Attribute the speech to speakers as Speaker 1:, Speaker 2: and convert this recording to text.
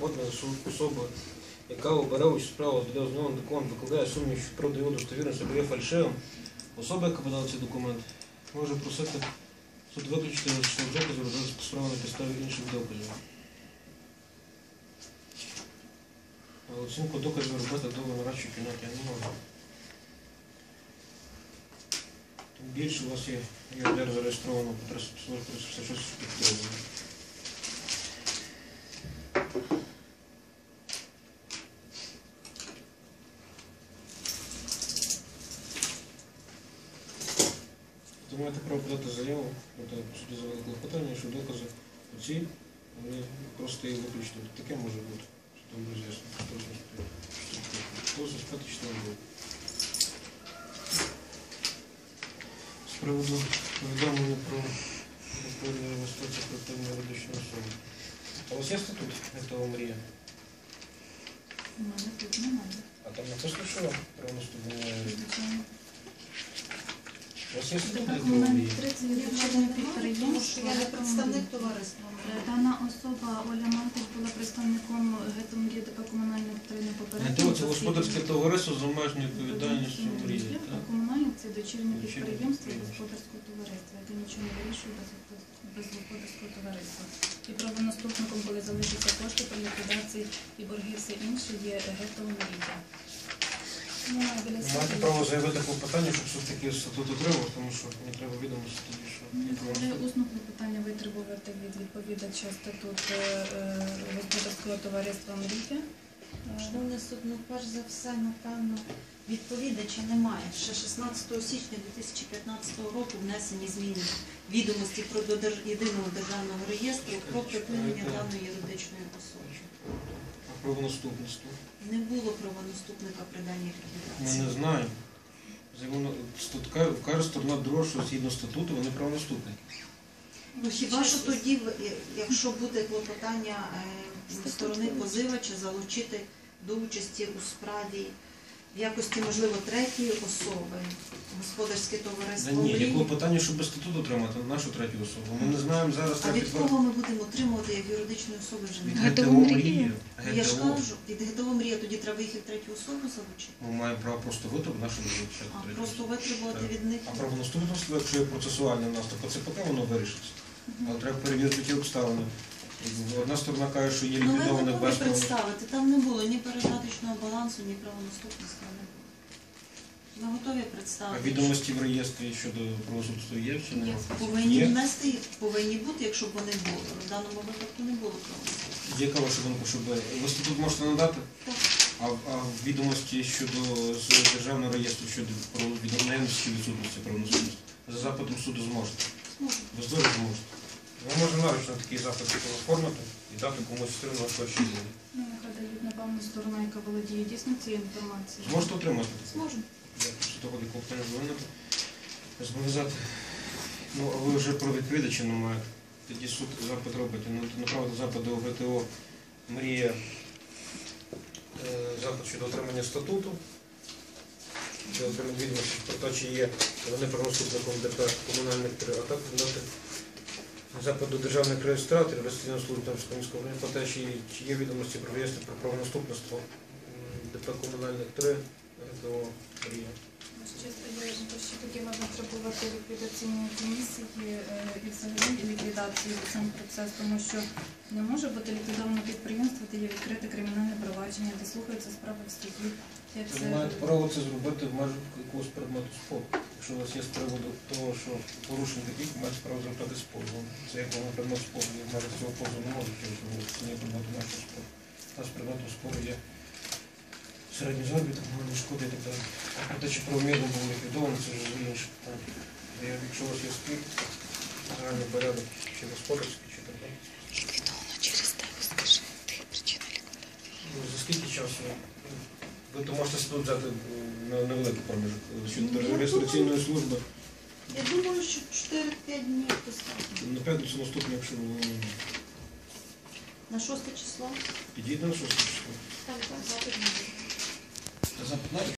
Speaker 1: підходна особа, яка обере участь в справі для ознайомлення документу, викладає сумнів, що правда його достовірність або є фальшивим, особа, яка подала цей документ, може просити суд виключити що докази розглядати справу на підставі інших доказів. А оцінку доказів робити довго нарадчій кімнаті я не можу. Тим більше у вас є ЄРДР зареєстровано по 356 підтримано. Ви маєте право подати заяву, подати по суді завели клопотання, що докази оці, вони просто її виключно. Таке може бути, що там роз'яснено. Позов 5 числа було. З приводу повідомлення про відповідну інвестицію колективної юридичної особи. А у вас є статут ГТО «Мрія»?
Speaker 2: У мене тут немає.
Speaker 1: А там написано, що про наступне? У вас є статут ГТО «Мрія»?
Speaker 2: Я не представник товариства.
Speaker 3: Дана особа, Оля Мантик, була представником ГТО «Мрія» ДП «Комунальне підтримання попередньо».
Speaker 1: ГТО – це господарське товариство з обмеженою відповідальністю «Мрія».
Speaker 3: Комунальне – це дочірнє підприємство господарського товариства, яке нічого не вирішує без господарського товариства. І правонаступником, коли залишаться кошти при ліквідації і борги, все інше, є ГТО «Мрія».
Speaker 1: Маєте право заявити клопотання, щоб все-таки статут отримав, тому що мені треба відомості тоді, що...
Speaker 3: Коли усне клопотання витребувати від відповідача статут господарського товариства «Мрія».
Speaker 2: Шановний суд, ну перш за все, напевно, відповідача немає. Ще 16 січня 2015 року внесені зміни відомості про єдиного державного реєстру про припинення даної юридичної особи.
Speaker 1: А правонаступництво?
Speaker 2: Не було правонаступника при даній ліквідації.
Speaker 1: Ми не знаємо. Каже сторона друга, що згідно статуту вони правонаступники.
Speaker 2: Ну хіба що тоді, якщо буде клопотання сторони позивача, залучити до участі у справі в якості, можливо, третьої особи, господарське товариство
Speaker 1: Ні,
Speaker 2: «Мрія».
Speaker 1: є клопотання, щоб без статуту отримати нашу третю особу. Ми не знаємо зараз...
Speaker 2: А від кого ми будемо отримувати як юридичної особи вже
Speaker 1: Від
Speaker 2: не
Speaker 1: ГТО «Мрія».
Speaker 2: Я ж кажу, від ГТО «Мрія» тоді треба їх як третю особу залучити.
Speaker 1: Ми маємо право просто витребувати нашу залучати.
Speaker 2: А просто витребувати від них.
Speaker 1: А правонаступництво, якщо є процесуальне в нас, то ЦПК воно вирішиться. Але треба перевірити ті обставини. Одна сторона каже, що є
Speaker 2: Ну ви
Speaker 1: ліквідоване
Speaker 2: готові
Speaker 1: без
Speaker 2: представити, там не було ні передаточного балансу, ні правонаступництва не було. Ми готові
Speaker 1: А
Speaker 2: представити.
Speaker 1: відомості в реєстрі щодо правосудства є чи немає?
Speaker 2: Повинні внести, повинні бути, якщо б вони були. В даному випадку не було правонаступництва.
Speaker 1: Яка ваша думка, щоб ви статут можете надати?
Speaker 2: Так.
Speaker 1: А відомості щодо з державного реєстру щодо наявності чи відсутності правонаступництва? За запитом суду зможете?
Speaker 2: Зможемо.
Speaker 1: Ви здорово зможете. Ми можемо наручно такий запит оформити і дати комусь стрімно хоче.
Speaker 3: Ну, нехай дають, напевно, сторона, яка володіє дійсно цією інформацією.
Speaker 1: Зможете отримати?
Speaker 2: Зможемо.
Speaker 1: Я після того клопотання звернути. Зобов'язати. Ну, а ви вже про відповідача не маєте. Тоді суд запит робить. Направити запит до ГТО «Мрія», запит щодо отримання статуту, для отримання відомості про те, чи є вони правонаступником ДП комунальних три, а також дати запит до державних реєстраторів, реєстраційної служби Тернопільського міського району, про те, чи є відомості про реєстр про правонаступництво ДП комунальних 3, ГТО «Мрія».
Speaker 3: Ще тоді можна требувати ліквідаційної комісії і взагалі ліквідації сам процес, тому що не може бути ліквідоване підприємство, де є відкрите кримінальне провадження, де слухаються справи в суді.
Speaker 1: Ви маєте право це зробити в межах якогось предмету спору. Якщо у вас є з приводу того, що порушень таких, ви маєте право звертати з позовом. Це як воно предмет спору, в межах цього позову не можуть розуміти, це не предмету нашого спору. У нас предметом спору є середній заробіток, моральні шкоди і так далі. А про те, чи правомірно було ліквідовано, це вже інше питання. Якщо у вас є спір, загальний порядок, чи господарський, чи так далі.
Speaker 4: Ліквідовано через тебе, скажи, ти причина ліквідації.
Speaker 1: За скільки часу? Ви то можете статут взяти на невеликий проміжок щодо реєстраційної служби.
Speaker 2: Я думаю, що 4-5 днів достатньо.
Speaker 1: На п'ятницю наступну, якщо ви
Speaker 2: На 6 число?
Speaker 1: підійдете на 6 число.
Speaker 2: Так, запит не буде.
Speaker 1: Запит